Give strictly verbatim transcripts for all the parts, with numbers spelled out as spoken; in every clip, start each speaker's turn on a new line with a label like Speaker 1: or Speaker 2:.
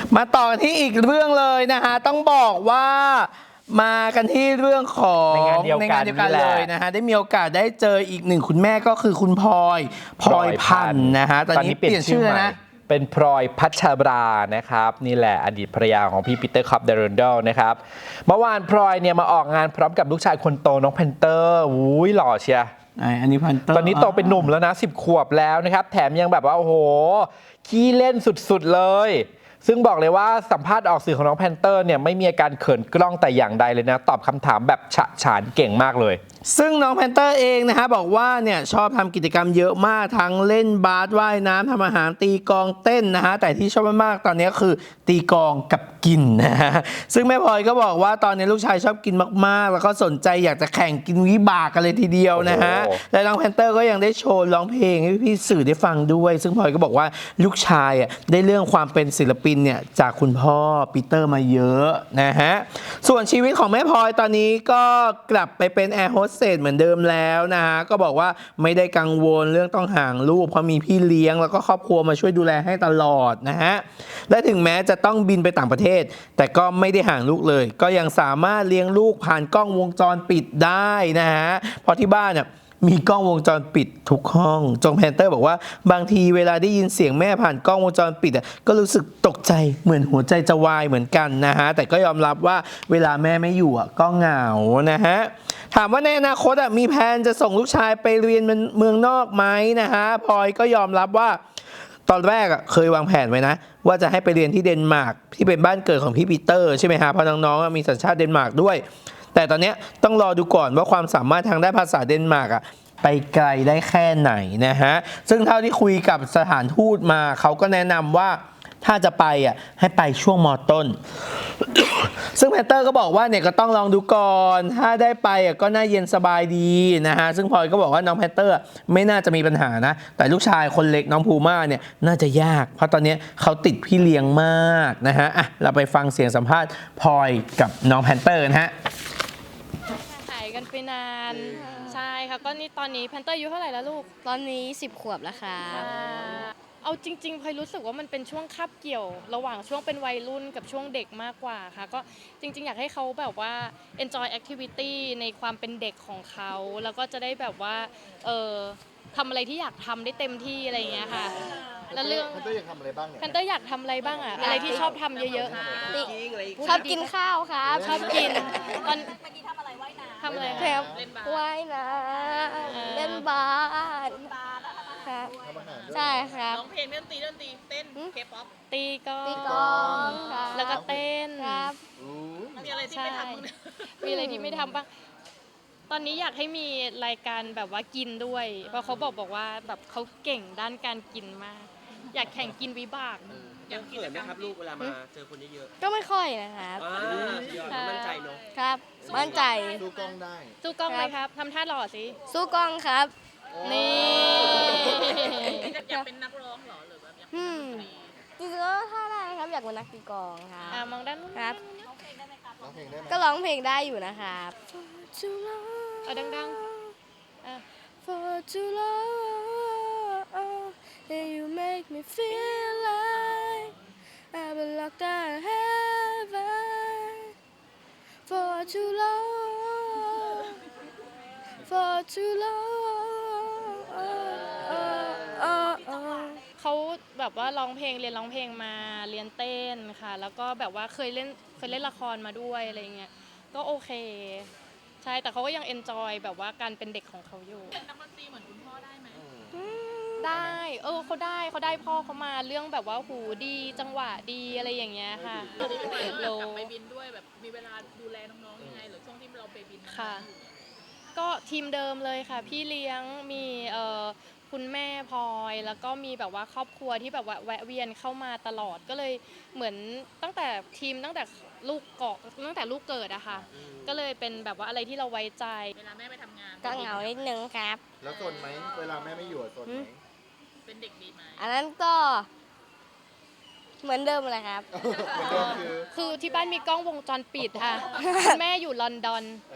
Speaker 1: มาต่อกันที่อีกเรื่องเลยนะคะต้องบอกว่ามากันที่เรื่องของ
Speaker 2: ในงานเดียวกัน
Speaker 1: ในงานเดียวกันเลยนะฮะได้มีโอกาสได้เจออีกหนึ่งคุณแม่ก็คือคุณพลอยพลอยพันธุ์นะฮะตอนนี้เปลี่ยนชื่อแล้วนะ
Speaker 2: เป็นพลอยพัชรานะครับนี่แหละอดีตภรรยาของพี่ปีเตอร์คอปเดรนเดลนะครับเมื่อวานพลอยเนี่ยมาออกงานพร้อมกับลูกชายคนโตน้องแพนเตอร์อุ้ยหล่อเชีย
Speaker 1: อันนี้พันเตอร์
Speaker 2: ตอนนี้โตเป็นหนุ่มแล้วนะสิบขวบแล้วนะครับแถมยังแบบว่าโอ้โหขี้เล่นสุดๆเลยซึ่งบอกเลยว่าสัมภาษณ์ออกสื่อของน้องแพนเตอร์เนี่ยไม่มีอาการเขินกล้องแต่อย่างใดเลยนะตอบคำถามแบบฉะฉานเก่งมากเลย
Speaker 1: ซึ่งน้องแพนเตอร์เองนะฮะบอกว่าเนี่ยชอบทำกิจกรรมเยอะมากทั้งเล่นบาสว่ายน้ำทำอาหารตีกลองเต้นนะฮะแต่ที่ชอบมากๆตอนนี้คือตีกลองกับกินนะฮะซึ่งแม่พลอยก็บอกว่าตอนนี้ลูกชายชอบกินมากๆแล้วก็สนใจอยากจะแข่งกินวิบากกันเลยทีเดียวนะฮะและน้องแพนเตอร์ก็ยังได้โชว์ร้องเพลงให้พี่สื่อได้ฟังด้วยซึ่งพลอยก็บอกว่าลูกชายอ่ะได้เรื่องความเป็นศิลปินเนี่ยจากคุณพ่อปีเตอร์มาเยอะนะฮะส่วนชีวิตของแม่พลอยตอนนี้ก็กลับไปเป็นแอร์โฮสเตสเหมือนเดิมแล้วนะฮะก็บอกว่าไม่ได้กังวลเรื่องต้องห่างลูกเพราะมีพี่เลี้ยงแล้วก็ครอบครัวมาช่วยดูแลให้ตลอดนะฮะและถึงแม้จะต้องบินไปต่างประเทศแต่ก็ไม่ได้ห่างลูกเลยก็ยังสามารถเลี้ยงลูกผ่านกล้องวงจรปิดได้นะฮะเพราะที่บ้านเนี่ยมีกล้องวงจรปิดทุกห้องจงแพนเตอร์บอกว่าบางทีเวลาได้ยินเสียงแม่ผ่านกล้องวงจรปิดอ่ะก็รู้สึกตกใจเหมือนหัวใจจะวายเหมือนกันนะฮะแต่ก็ยอมรับว่าเวลาแม่ไม่อยู่อ่ะก็เหงานะฮะถามว่าในอนาคตอ่ะมีแผนจะส่งลูกชายไปเรียนเมืองนอกไหมนะฮะพลอยก็ยอมรับว่าตอนแรกอ่ะเคยวางแผนไว้นะว่าจะให้ไปเรียนที่เดนมาร์กที่เป็นบ้านเกิดของพี่ปีเตอร์ใช่ไหมฮะเพราะน้องๆมีสัญชาติเดนมาร์กด้วยแต่ตอนนี้ต้องรอดูก่อนว่าความสามารถทางด้านภาษาเดนมาร์กอ่ะไปไกลได้แค่ไหนนะฮะซึ่งเท่าที่คุยกับสถานทูตมาเขาก็แนะนำว่าถ้าจะไปอ่ะให้ไปช่วงม.ต้น ซึ่งแพนเตอร์ก็บอกว่าเนี่ยก็ต้องลองดูก่อนถ้าได้ไปอ่ะก็น่าเย็นสบายดีนะฮะซึ่งพลอยก็บอกว่าน้องแพนเตอร์ไม่น่าจะมีปัญหานะแต่ลูกชายคนเล็กน้องภูม่าเนี่ยน่าจะยากเพราะตอนนี้เขาติดพี่เลี้ยงมากนะฮะอ่ะเราไปฟังเสียงสัมภาษณ์พลอยกับน้องแพนเตอร์นะฮะ
Speaker 3: หายกันไปนานใช่ค่ะก็นี่ตอนนี้แพนเตอร์อายุเท่าไหร่แล้วลูก
Speaker 4: ตอนนี้สิบขวบแล้วค่ะ
Speaker 3: เอาจริงๆพลอยรู้สึกว่ามันเป็นช่วงคาบเกี่ยวระหว่างช่วงเป็นวัยรุ่นกับช่วงเด็กมากกว่าค่ะก็จริงๆอยากให้เขาแบบว่า enjoy activity ในความเป็นเด็กของเขาแล้วก็จะได้แบบว่าเออทำอะไรที่อยากทำได้เต็มที่อะไรอย่างเงี้ยค่ะแล้วเรื่อง
Speaker 5: แพนเตอร์อยากทำอะไรบ้างเนี่ย
Speaker 3: แพนเตอร์อยากทำอะไรบ้างอะอะไรที่ชอบทำเยอะๆ
Speaker 4: ชอบกินข้าวครับ
Speaker 3: ชอบกินตอนทำอะไร
Speaker 4: ครับว่ายน้ำเล่นบาสครับใช่ครับ
Speaker 6: ร้องเพลงเล่นตีเล่นตีเต้นเคป๊อป
Speaker 3: ตีกลอง
Speaker 4: ตีกลองครับ
Speaker 3: แล้วก็เต้น
Speaker 4: ครับ
Speaker 6: มีอะไรที่ไม่ทำบ้างเนี่ย
Speaker 3: มีอะไรที่ไม่ทำบ้างตอนนี้อยากให้มีรายการแบบว่ากินด้วยเพราะเขาบอกบอกว่าแบบเขาเก่งด้านการกินมากอยากแข่งกินวิบาก
Speaker 6: ยังเขินนะครับลูกเวลามาเจอคนเยอะ
Speaker 4: ๆก็ไม่ค่อยนะครับ
Speaker 6: มั่นใจเนาะ
Speaker 4: ครับมั่นใจ
Speaker 5: สู้กล้องได้
Speaker 3: สู้กล้องไหมครับทำท่าหล่อสิ
Speaker 4: สู้กล้องครับ
Speaker 3: นี่
Speaker 6: อยากเป็นนักร้องหรอหรือแบบอยาก
Speaker 4: อืมจริงๆก็ถ้าได้ครับอยากเป็นนักตีกลองครับ
Speaker 3: อ่ามองด้านนู้น
Speaker 4: ครับ
Speaker 5: ร้องเพลงได้ไหมครับ
Speaker 4: ก็ร้องเพลงได้อยู่นะครับ
Speaker 3: เอาดังๆ
Speaker 4: For too long you make me feel like I've been locked out of heaven For too long For too long
Speaker 3: เขาแบบว่าร้องเพลงเรียนร้องเพลงมาเรียนเต้นค่ะแล้วก็แบบว่าเคยเล่นเคยเล่นละครมาด้วยอะไรเงี้ยก็โอเคใช่แต่เขาก็ยังเอนจอยแบบว่าการเป็นเด็กของเขาอยู่
Speaker 6: เป็นนักดนตรีเหมือนคุณพ่อได้ไหม
Speaker 3: ได้เออเขาได้เขาได้พ่อเขามาเรื่องแบบว่าหูดีจังหวะดีอะไรอย่างเงี้ยค่ะ
Speaker 6: โลไปบินด้วยแบบมีเวลาดูแลน้องๆยังไงหรือช่วงที่เราไปบิน
Speaker 3: ค่ะก็ทีมเดิมเลยค่ะพี่เลี้ยงมีเอ่อคุณแม่พลอยแล้วก็มีแบบว่าครอบครัวที่แบบว่าแวะเวียนเข้ามาตลอดก็เลยเหมือนตั้งแต่ทีมตั้งแต่ลูกเกาะตั้งแต่ลูกเกิดอะค่ะก็เลยเป็นแบบว่าอะไรที่เราไว้ใจ
Speaker 6: เวลาแม่ไปทำงาน
Speaker 4: ก็เหงานิดนึงครับ
Speaker 5: แล้วสนไหมเวลาแม่ไม่อยู่สนไหม
Speaker 6: เป็นเด็กดีไหม
Speaker 4: อันนั้นก็เหมือนเดิมเลยครับ
Speaker 3: คือที่บ้านมีกล้องวงจรปิดค่ะแม่อยู่ลอนดอน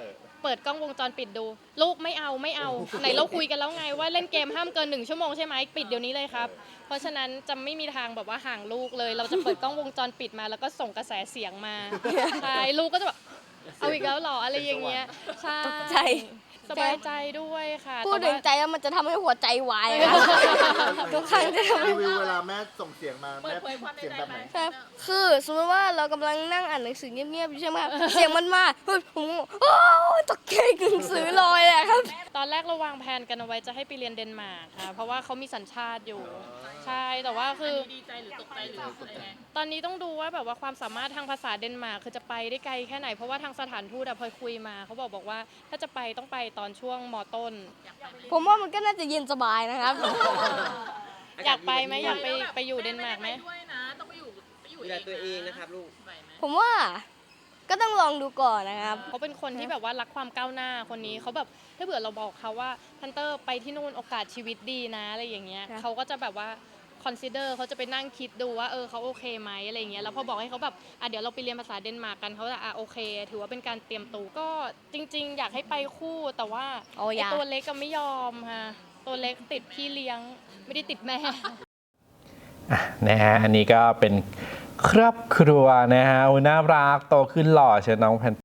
Speaker 3: เปิดกล้องวงจรปิดดู ลูกไม่เอาไม่เอา ไหนเราคุยกันแล้วไงว่าเล่นเกมห้ามเกินหนึ่งชั่วโมงใช่ไหมปิดเดี๋ยวนี้เลยครับ เพราะฉะนั้นจะไม่มีทางแบบว่าห่างลูกเลย เราจะเปิดกล้องวงจรปิดมาแล้วก็ส่งกระแสเสียงมาใช่ลูกก็จะแบบเอาอีกแล้วเหรออะไรอย่างเงี้ยใช่
Speaker 4: ตกใจ
Speaker 3: สบายใจด้วยค่ะ
Speaker 4: พูด
Speaker 3: แต่
Speaker 4: ถึง
Speaker 3: ว่า
Speaker 4: ใจแล้วมันจะทำให้หัวใจวายครับ ทุกครั้งจะทำให้
Speaker 5: รีวิวเวลาแม่ส่งเสียงมา
Speaker 6: เปิ
Speaker 5: แม่
Speaker 6: ดเผยความใน
Speaker 5: เสียง
Speaker 6: ใจ
Speaker 5: แบบ
Speaker 6: ไห
Speaker 5: ไห
Speaker 6: ม
Speaker 5: น
Speaker 4: ครับคือสมมติว่าเรากำลังนั่งอ่านหนังสือเงียบๆอยู่ใช่ไหมครับ เสียงมันมาเฮ้ยผมโอ้ยตกใจกึ่งสือลอยเลยครับ
Speaker 3: ตอนแรกเราวางแผนกันเอาไว้จะให้ไปเรียนเดนมาร์กค่ะเพราะว่าเขามีสัญชาติอยู่ใช่แต่ว่า
Speaker 6: อัน
Speaker 3: คือ
Speaker 6: นี้ดีใจหรือตกใจหรืออะไรไง
Speaker 3: ตอนนี้ต้องดูว่าแบบว่าความสามารถทางภาษาเดนมาร์กคือจะไปได้ไกลแค่ไหนเพราะว่าทางสถานทูตอะพลอยคุยมาเขาบอกบอกว่าถ้าจะไปต้องไปตอนช่วงมต้น
Speaker 4: ผมว่ามันก็น่าจะเย็นสบายนะครับ
Speaker 3: อยากไปไหมอยากไปไปอยู่เดนมาร์กไหม
Speaker 6: แไม่ได้ไปด้วยนะต้องไปอยู่ไปอยู่
Speaker 7: ดูแลตัวเองนะครับลูก
Speaker 6: ไหวไหม
Speaker 4: ผมว่าก็ต้องลองดูก่อนนะครับ
Speaker 3: เขาเป็นคนที่แบบว่ารักความก้าวหน้าคนนี้เขาแบบถ้าเผื่อเราบอกเขาว่าพันเตอร์ไปที่นู่นโอกาสชีวิตดีนะอะไรอย่างเงี้ย
Speaker 4: ค่ะ
Speaker 3: เขาก็จะแบบว่า consider เขาจะไปนั่งคิดดูว่าเออเขาโอเคไหมอะไรอย่างเงี้ยแล้วพอบอกให้เขาแบบอ่ะเดี๋ยวเราไปเรียนภาษาเดนมาร์กกันเขาจะอ่ะโอเค ถือว่าเป็นการเตรียมตัวก็จริง ๆ อยากให้ไปคู่แต่ว่า
Speaker 4: โอ้ย
Speaker 3: ไอ้ตัวเล็กก็ไม่ยอมค่ะตัวเล็กติดพี่เลี้ยงไม่ได้ติดแม่
Speaker 2: อ่ะนะฮะอันนี้ก็เป็นครอบครัวนะฮะอุ๊ยน่ารักโตขึ้นหล่อเชียวน้องแพน